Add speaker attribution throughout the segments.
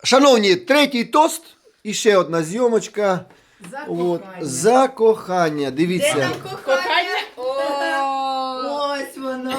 Speaker 1: Шановні, третій тост і ще одна зйомочка.
Speaker 2: За
Speaker 1: От,
Speaker 2: кохання.
Speaker 1: за кохання.
Speaker 3: Де
Speaker 1: Дивіться.
Speaker 3: там кохання?
Speaker 2: Ось воно.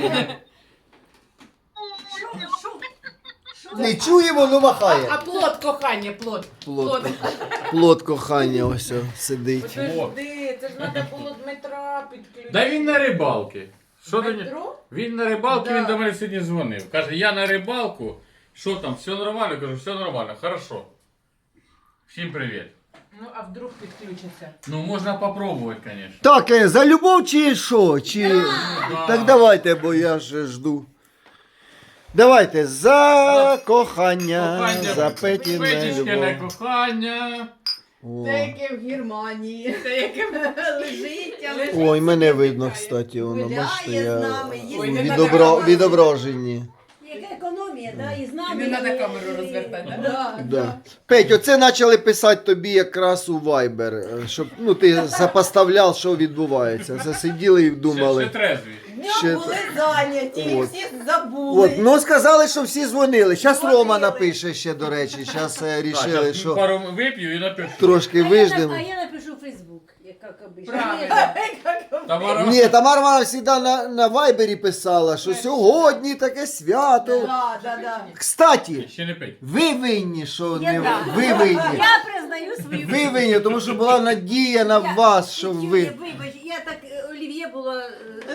Speaker 1: Не чуємо, но махає.
Speaker 2: А плод кохання, плод.
Speaker 1: Плод кохання ось сидить.
Speaker 2: Подожди, це ж треба було Дмитра підключити.
Speaker 4: Да він на рибалки. Що до нього?
Speaker 2: Дмитро?
Speaker 4: Він на рибалки,
Speaker 2: Да.
Speaker 4: він до мене сьогодні дзвонив. Каже, я на рибалку. Що там, все нормально? Кажу, все нормально, хорошо. Всім привіт.
Speaker 2: Ну, а вдруг підключиться?
Speaker 4: Ну, можна попробувати, звісно.
Speaker 1: Так, за любов чи що? Чи...
Speaker 4: Да.
Speaker 1: Так давайте, бо я ж жду. Давайте, за кохання, за Петіне
Speaker 4: Петічкине
Speaker 1: любов.
Speaker 4: кохання.
Speaker 1: О.
Speaker 3: Це яке в Германії. Це яке лежить, але
Speaker 1: Ой, мене видно, кстати, воно,
Speaker 3: гуляє
Speaker 1: бачите,
Speaker 3: з
Speaker 1: я
Speaker 3: нами,
Speaker 2: Ой,
Speaker 3: їсть.
Speaker 2: не
Speaker 1: відображені.
Speaker 3: Яка економія, да? І з нами.
Speaker 2: Не треба
Speaker 3: і-
Speaker 2: камеру розвертати,
Speaker 3: Да,
Speaker 1: Да. Петь, оце почали писати тобі якраз у Viber, щоб ну, ти запоставляв, що відбувається. Це сиділи і
Speaker 4: Ще
Speaker 1: думали.
Speaker 4: трезві.
Speaker 3: Днем
Speaker 1: Ще-
Speaker 3: були зайняті,
Speaker 1: От.
Speaker 3: всі забули.
Speaker 1: От, ну сказали, що всі дзвонили. Зараз
Speaker 3: Дзвонили.
Speaker 1: Рома напише ще, до речі. Зараз рішили,
Speaker 4: Так,
Speaker 1: що
Speaker 4: пару вип'ю і напишу.
Speaker 1: трошки виждемо.
Speaker 5: А я напишу в Фейсбук, як обично.
Speaker 2: Правильно.
Speaker 4: Тамара,
Speaker 1: Ні, Тамара вона завжди на Вайбері писала, що сьогодні таке свято.
Speaker 3: Да, да, да.
Speaker 1: Кстати,
Speaker 4: ще не пить.
Speaker 1: ви винні, що
Speaker 5: Я
Speaker 1: не
Speaker 5: да.
Speaker 1: ви винні.
Speaker 5: Я признаю свою
Speaker 1: Ви винні, тому що була надія на вас, що ви.
Speaker 5: Вибач, я так Олів'є була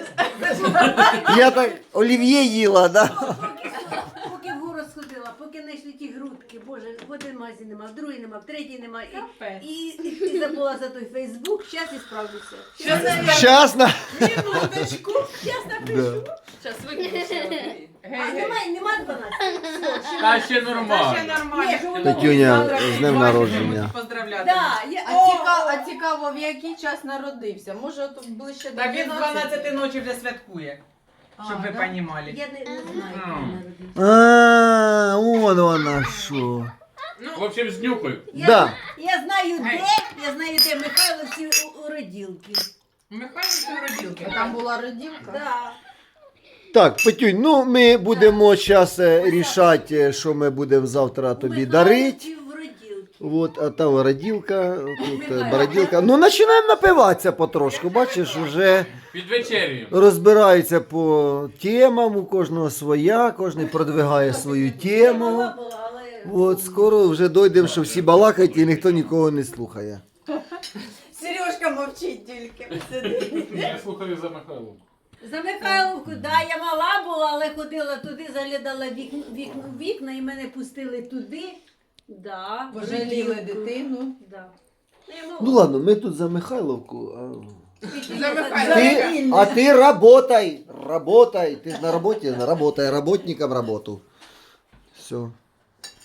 Speaker 1: Я так олів'є їла, да?
Speaker 5: поки в город сходила, поки знайшли ті грудки, боже, в один магазин нема, в другий нема, в третій нема.
Speaker 2: Капець.
Speaker 5: І забула за той Фейсбук, зараз і справлюся.
Speaker 1: Щас на...
Speaker 3: Минуточку.
Speaker 5: Зараз напишу.
Speaker 1: Да.
Speaker 2: Зараз виключила.
Speaker 5: А нема 12?
Speaker 4: Та ще нормально.
Speaker 2: Ще нормально.
Speaker 5: Ні, що воно-
Speaker 1: Петюня, з днем народження.
Speaker 2: Поздравляти.
Speaker 5: Да, я,
Speaker 3: А цікаво, в який час народився? Може, от ближче до
Speaker 2: Та він
Speaker 3: 12?
Speaker 2: 12 ночі вже святкує. Щоб ви
Speaker 3: да?
Speaker 2: понімали.
Speaker 5: я не знаю, коли народився.
Speaker 1: А, вон вона що.
Speaker 4: В общем, знюхаю.
Speaker 1: Да.
Speaker 5: Я знаю, де Михайловці у роділки.
Speaker 2: Михайло це роділки.
Speaker 3: А там була роділка?
Speaker 5: Да.
Speaker 1: Так, Петюнь, ну ми будемо зараз рішати, що ми будемо завтра тобі дарити.
Speaker 5: Михайловці в роділки.
Speaker 1: От, а там роділка, тут бороділка. Ну, починаємо напиватися потрошку, бачиш, вже
Speaker 4: Під вечерю.
Speaker 1: розбираються по темам, у кожного своя, кожен продвигає свою тему.
Speaker 5: Мала була, але...
Speaker 1: От скоро вже дійдемо, що всі балакають і ніхто нікого не слухає.
Speaker 3: Сережка мовчить тільки. Сидить.
Speaker 4: Я слухаю за Михайлом.
Speaker 5: За Михайловку, да, я мала була, але ходила туди, заглядала вікна і мене пустили туди. Да, в
Speaker 3: Пожаліли
Speaker 5: роділку.
Speaker 3: дитину.
Speaker 5: Да. Ну, я мала.
Speaker 1: Ну ладно, ми тут за Михайловку.
Speaker 2: За Михайловку.
Speaker 1: А ти работай, работай. Ти ж на роботі, работай, работникам роботу. Все.